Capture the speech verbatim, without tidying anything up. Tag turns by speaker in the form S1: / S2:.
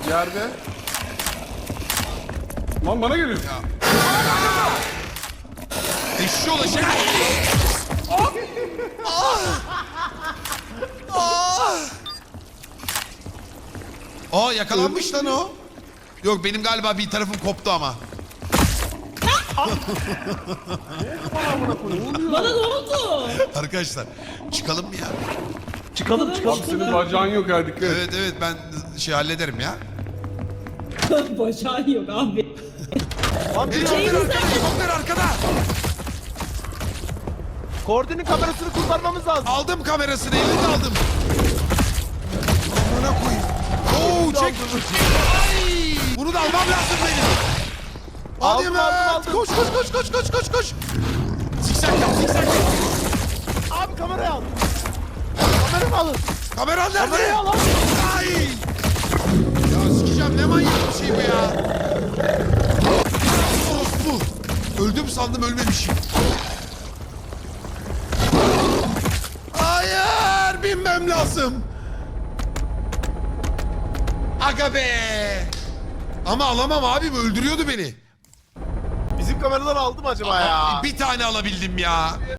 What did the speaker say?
S1: Yerde. Lan bana geliyor.
S2: Ya. Eşşoğlu şey. Aa yakalanmış lan o. Yok benim galiba bir tarafım koptu ama.
S3: Bana ne oldu?
S2: Arkadaşlar çıkalım mı ya?
S4: Çıkalım çıkalım.
S1: Abi senin bacağın yok ha, dikkat et.
S2: Evet evet ben şey hallederim ya.
S3: Bacağın yok abi.
S2: Helikopter arkada, helikopter arkada.
S4: Koordinin kamerasını kurtarmamız lazım.
S2: Aldım kamerasını, elini aldım. Amına koyayım. Oo çek. Ay! Bunu da almam lazım benim. Hadi
S4: Aldım,
S2: Mert.
S4: aldım, aldım.
S2: Koş koş koş koş koş koş koş. Zikzak yap zikzak yap.
S4: Abi kamerayı al. Kameramı alın.
S2: Kameran nerede?
S4: Kamerayı al abi.
S2: Ay! Ya sikeceğim ne manyak bir şey bu ya. Orospu. Öldüm sandım ölmemişim. Hayır binmem lazım. Aga be. Ama alamam abim öldürüyordu beni.
S4: Bizim kameraları aldı mı acaba ya?
S2: Bir tane alabildim ya.